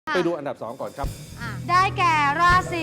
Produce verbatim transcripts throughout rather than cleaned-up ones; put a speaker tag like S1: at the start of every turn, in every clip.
S1: ไปดูอันดับสองก่อนครับ
S2: ได้แก่ราศี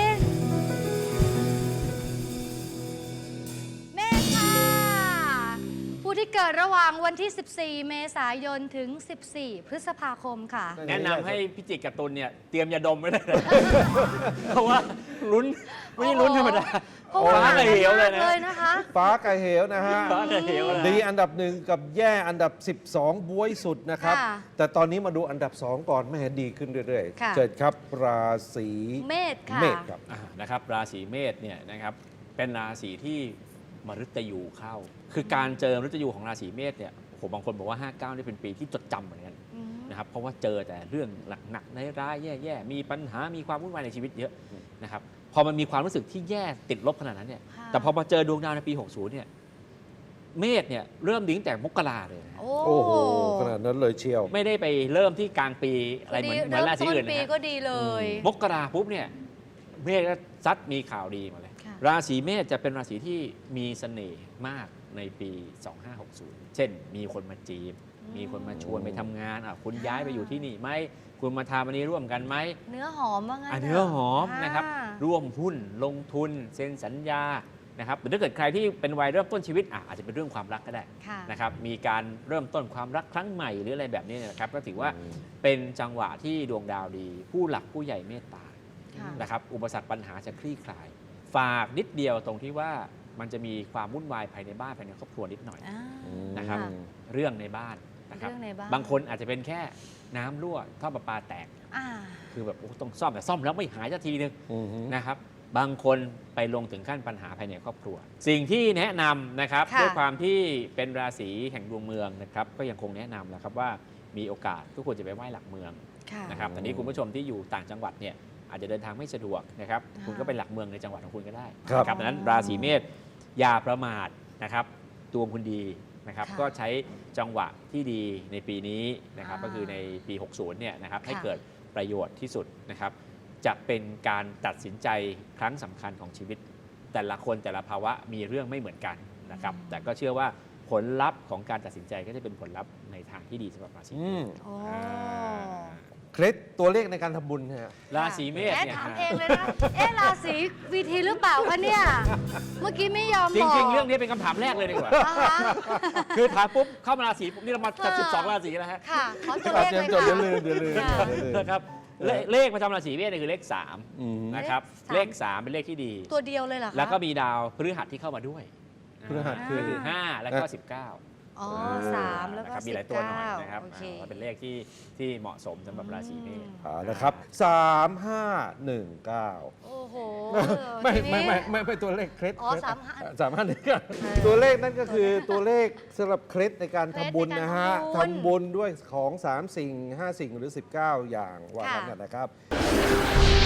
S2: เมษค่ะผู้ที่เกิดระหว่างวันที่ สิบสี่ เมษายนถึง สิบสี่ พฤษภาคมค่ะ
S3: แนะนำให้พิจิกกับตุลเนี่ยเตรียมยาดมไว้เลยนะ เพราะว่าลุ้นไม่ใช่ลุ้นธรรมดา
S2: เพราะว่า
S3: ฟ้ากับเหวเลยนะ
S2: เลยนะคะ
S1: ฟ้ากับเหวนะฮะ
S3: ฟ้ากับเหวนะ
S1: ดีอันดับหนึ่งกับแย่อันดับ สิบสองบวยสุดนะครับ
S2: ค่ะ
S1: แต่ตอนนี้มาดูอันดับสองก่อนไม่เห็นดีขึ้นเรื่อย
S2: ค่ะ
S1: ๆเชิญครับราศี
S2: เมษค่ะ
S1: เมษครับ
S3: อ่านะครับราศีเมษเนี่ยนะครับเป็นราศีที่มฤตยูเข้า คือการเจอมฤตยูของราศีเมษเนี่ยผมบางคนบอกว่า ห้าเก้า นี่เป็นปีที่จดจำเหมือนกัน
S2: อืม
S3: นะครับเพราะว่าเจอแต่เรื่องหนักๆร้ายๆแย่ๆมีปัญหามีความวุ่นวายในชีวิตเยอะนะครับพอมันมีความรู้สึกที่แย่ติดลบขนาดนั้นเนี่ย
S2: ค่ะ
S3: แต่พอมาเจอดวงดาวในปี หกสิบ เนี่ยเมษเนี่ยเริ่มดีตั้งแต่มกราเลยนะ
S2: โอ้
S1: โอ้โหขนาดนั้นเลยเชียว
S3: ไม่ได้ไปเริ่มที่กลางปีอะไรเหมือนเหมือนราศีอื่น
S2: ปี
S3: นะ
S2: ก็
S3: ฮะ
S2: ดีเลย
S3: มกราปุ๊บเนี่ยเมษก็ซัดมีข่าวดีมาเลย
S2: ค่ะ
S3: ราศีเมษจะเป็นราศีที่มีเสน่ห์มากในปี สองห้าหกศูนย์ เช่น มีคนมาจีบ มีคนมาชวนไปทำงานอ่ะคุณย้ายไปอยู่ที่นี่ไหมคุณมาทำอันนี้ร่วมกันไหม
S2: เนื้อหอมว่างั้น
S3: อ่ะ
S2: ถะ
S3: เนื้อหอม
S2: อ่า
S3: นะครับร่วมหุ้นลงทุนเซ็นสัญญานะครับหรือถ้าเกิดใครที่เป็นวัยเริ่มต้นชีวิตอ่ะอาจจะเป็นเรื่องความรักก็ได้
S2: ค่ะ
S3: นะครับมีการเริ่มต้นความรักครั้งใหม่หรืออะไรแบบนี้เนยนะครับก็ถือว่า
S1: อืม
S3: เป็นจังหวะที่ดวงดาวดี ผู้หลักผู้ใหญ่เมตตา
S2: ค่ะ
S3: นะครับอุปสรรคปัญหาจะคลี่คลาย ฝากนิดเดียวตรงที่ว่ามันจะมีความวุ่นวายภายในบ้านภายในครอบครัวนิดหน่อย
S2: อ่า
S3: นะครับ
S2: ค่ะ
S3: เรื่องในบ้านนะครับ
S2: เรื่องในบ้าน
S3: บางคนอาจจะเป็นแค่น้ำรั่วท่อประปาแตก
S2: อ่า
S3: คือแบบโอ้ต้องซ่อมแต่ซ่อมแล้วไม่หายสักทีนึง
S1: อือฮึ
S3: นะครับบางคนไปลงถึงขั้นปัญหาภายในครอบครัว สิ่งที่แนะนำนะครับ
S2: ค่ะ
S3: ด้วยความที่เป็นราศีแห่งดวงเมืองนะครับก็ยังคงแนะนำนะครับว่ามีโอกาสทุกคนจะไปไหว้หลักเมือง
S2: ค่ะ
S3: นะครับแต่นี้คุณผู้ชมที่อยู่ต่างจังหวัดเนี่ยอาจจะเดินทางไม่สะดวกนะครับ
S2: อ่า
S3: คุณก็ไปหลักเมืองในจังหวัดของคุณก็ได้
S1: ครับ
S3: นะดังนั้นราศีเมษอย่าประมาทนะครับดวงคุณดีนะครับ
S2: ค่ะ
S3: ก็ใช้จังหวะที่ดีในปีนี้นะครับ
S2: อ่า
S3: ก็คือในปี หกสิบ เนี่ยนะครับให้
S2: ค่ะ
S3: เกิดประโยชน์ที่สุดนะครับ จะเป็นการตัดสินใจครั้งสำคัญของชีวิต แต่ละคนแต่ละภาวะมีเรื่องไม่เหมือนกันนะครับ แต่ก็เชื่อว่าผลลัพธ์ของการตัดสินใจก็จะเป็นผลลัพธ์ในทางที่ดีสำหรับราศี
S1: อื
S3: เม
S1: ม
S3: ษ
S2: โอ้
S3: อ่า
S1: เคล็ดตัวเลขในการทำบุญฮะ
S3: ราศีเมษ
S2: เอ๊ะ
S3: เนี่ย
S2: ถาม
S3: ฮะ
S2: เองเลยนะ เอ๊ะราศีวีทีหรือเปล่าคะเนี่ย เมื่อกี้ไม่ยอม
S3: จ
S2: บอก
S3: ริง ๆ เรื่องนี้เป็นคำถามแรกเลยดีกว่า
S2: อ่าฮะ
S3: คือถามปุ๊บเข้ามาราศีปุ๊บนี่เรามาจัด
S2: เออ
S3: สิบสองราศีแล้วฮะ
S2: ค่ะ ขอตัว
S1: ครั
S2: เล
S1: บ
S2: ข
S1: เตรี
S2: เลย ย
S1: มจด
S2: ค่ะ
S1: เดี๋ยวลืมเดี๋ยวลืม
S2: ค่ะ
S1: เดี๋ยวลืม
S3: นะครับเลเลขประจำราศีเมษเนี่ยคือเลขสาม
S1: อืม
S3: นะครับ
S2: เล
S3: เล
S2: ข
S3: ข
S2: สา
S3: สาม มเป็นเลขที่ดี
S2: ตัวเดียวเลยเหรอคะ
S3: แล้วก็มีดาวพฤหัสที่เข้ามาด้วย
S1: พฤหัสคือ
S3: ก็คือห้าแล้วก็สิบเก้า
S2: อ๋อสามแล้วก็
S3: นะครับ
S2: สิ
S3: มี
S2: บ
S3: หลายตัวหน่อย
S2: เก้า
S3: นะครับ
S2: โอเค
S3: อ่าเป็นเลขที่ที่เหมาะสมสำหรับราศีเมษ
S1: เอาละครับสามห้าหนึ่งเก้า
S2: โอ้โห
S1: ไม่
S2: ทีนี้
S1: ไม่ไม่ไม่ไม่ตัวเลขเคล็ด
S2: อ๋อสามห้า
S1: สามห้าหนึ่งเก้า
S2: เออ
S1: ตัวเลขนั่นก็คือตัวเลขสำหรับเคล็ดในการ
S2: เคล็ด
S1: ทำบุญ
S2: ในการ
S1: นะฮะ
S2: ทำบุญ
S1: ทำบุญด้วยของสามสิ่งห้าสิ่งหรือสิบเก้าอย่างว่า
S2: ค่ะ
S1: งั้นนะครับ